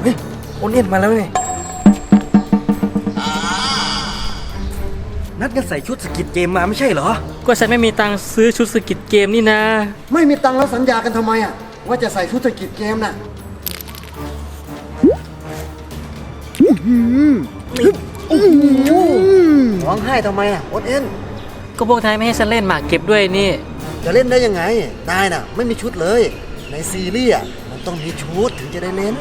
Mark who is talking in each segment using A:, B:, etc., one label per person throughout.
A: ฮ้ยโอนเอ็นมาแล้วไงนัดกันใส่ชุดสกิดเกมมาไม่ใช่เหรอ
B: ก็ฉันไม่มีตังค์ซื้อชุดสกิดเกมนี่นะ
C: ไม่มีตังค์แล้วสัญญากันทำไมอ่ะว่าจะใส่ชุดสกิดเกมน่ะร้องไห้ทำไมอ่ะโอนเอ็น
B: ก็พวกนายไม่ให้ฉันเล่นหมากเก็บด้วยนี่
C: จะเล่นได้ยังไงนายน่ะไม่มีชุดเลยในซีรีส์มันต้องมีชุดถึงจะได้เล่น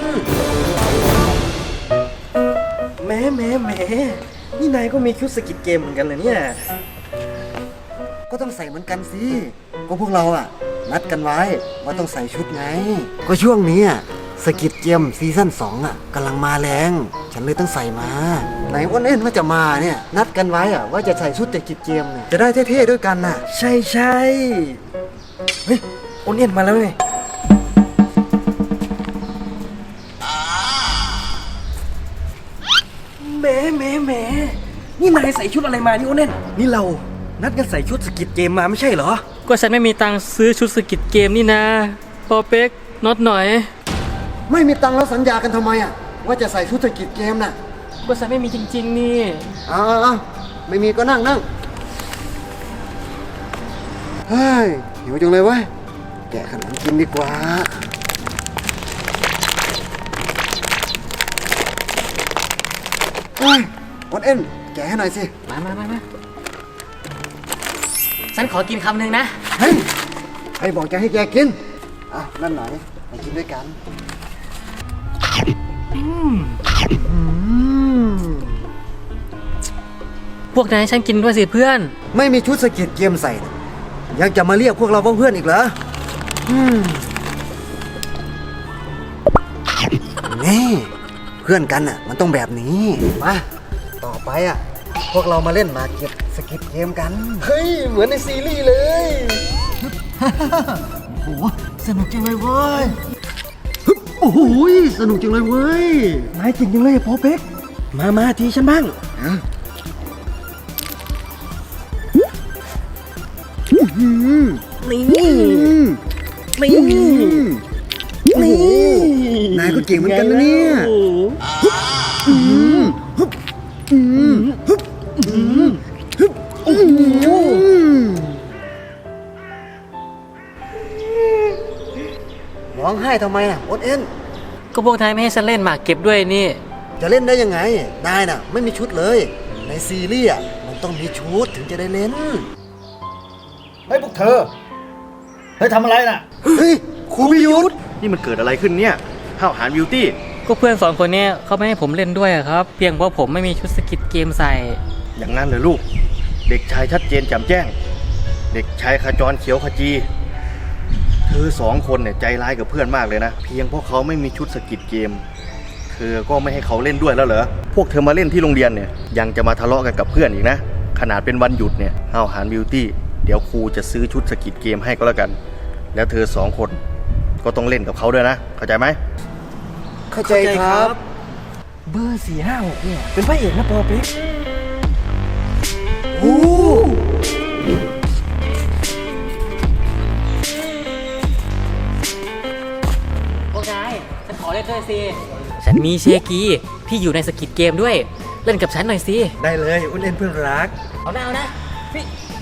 A: แหมนี่นายก็มีชุดสกิดเกมเหมือนกันเลยเนี่ย
C: ก็ต้องใส่เหมือนกันสิก็พวกเราอ่ะนัดกันไว้ว่าต้องใส่ชุดไงก็ช่วงนี้สกิดเกมซีซั่น2กำลังมาแรงฉันเลยต้องใส่มาไหนอ้วนเอ็นว่าจะมาเนี่ยนัดกันไว้ว่าจะใส่ชุดสกิดเกมเนี่ยจะได้เท่ๆด้วยกันน่ะ
A: ใช่เฮ้ยโอนเอ็นมาแล้วไงแหมนี่นายใส่ชุดอะไรมานี่โอนเอ็นนี่เรานัดกันใส่ชุดสกิดเกมมาไม่ใช่เหรอ
B: ก็ฉันไม่มีตังค์ซื้อชุดสกิดเกมนี่นะปอเป๊กน็อตหน่อย
C: ไม่มีตังค์แล้วสัญญากันทำไมว่าจะใส่ชุดสกิดเกมน่ะ
B: ก็ฉันไม่มีจริงๆนี่
C: ไม่มีก็นั่งเฮ้ยหิวจังเลยเว้ยแกะขนมกินดีกว่าเฮ้ยอดเอ็นแกะให้หน่อยสิ
B: มาฉันขอกินคำหนึ่งนะ
C: เฮ้ยใครบอกจะให้แกกินนั่นหน่อยมากินด้วยกัน
B: พวกนายฉันกินด้วยสิเพื่อน
C: ไม่มีชุดสกิดเกมใส่ยังจะมาเรียกพวกเราว่าเพื่อนอีกเหรอนี่เพื่อนกันมันต้องแบบนี้มาต่อไปพวกเรามาเล่นหมากเก็บสกิดเกมกันเฮ้ยเหมือนในซีรีส์เลยโอ้โหสนุกจังเลยเว้ยโอ้โหสนุกจังเลยเว้ย
A: นายจริงจังเลยพอเป๊กมาทีฉันบ้างนี่
C: นายก็เก่งเหมือนกันนะเนี่ยร้องไห้ทำไมโอนเอ็น
B: ก็พวกนายไม่ให้ฉันเล่นหมากเก็บด้วยนี่
C: จะเล่นได้ยังไงนายน่ะไม่มีชุดเลยในซีรีส์มันต้องมีชุดถึงจะได้เล่น
D: เฮ้ยพวกเธอทำอะไรน่ะ
C: เฮ้ยครูพิยุทธ
D: นี่มันเกิดอะไรขึ้นเนี่ยห้าวหาญบิวตี้
B: ก็เพื่อน2 คนนี้เขาไม่ให้ผมเล่นด้วยครับเพียงเพราะผมไม่มีชุดสกิดเกมใส่
D: อย่างนั้นเลยลูกเด็กชายชัดเจนแจ่มแจ้งเด็กชายขจรเขียวขจีเธอ2 คนเนี่ยใจร้ายกับเพื่อนมากเลยนะเพียงเพราะเขาไม่มีชุดสกิดเกมเธอก็ไม่ให้เขาเล่นด้วยแล้วเหรอพวกเธอมาเล่นที่โรงเรียนเนี่ยยังจะมาทะเลาะกันกับเพื่อนอีกนะขนาดเป็นวันหยุดเนี่ยห้าวหาญบิวตี้เดี๋ยวครูจะซื้อชุดสกิดเกมให้ก็แล้วกันแล้วเธอ2 คนก็ต้องเล่นกับเขาด้วยนะเข้าใจไหม
C: เข้าใจครับ
A: เบอร์4 5 6เนี่ยเป็นพระเอกนะพอเป๊ก
B: โอ้พวกนายฉันขอเล่นด้วยสิฉันมีเชกีที่อยู่ในสกิดเกมด้วยเล่นกับฉันหน่อยสิ
A: ได้เลยอุ้นเล่นเพื่อนรัก
B: เอานะพี่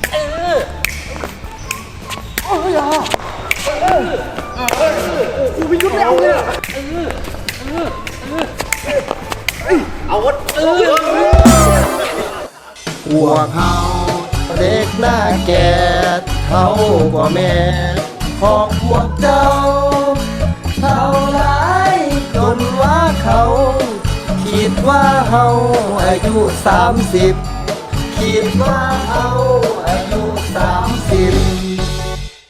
C: ครูพิยุทธไม่เอาเลย
D: เอาวะ
C: หัวเขาเด็กหน้าแก่เท่ากว่าแม่ของพวกเจ้าเท่าไรจนว่าเขาคิดว่าเขาอายุ30คิดว่าเขาอายุ30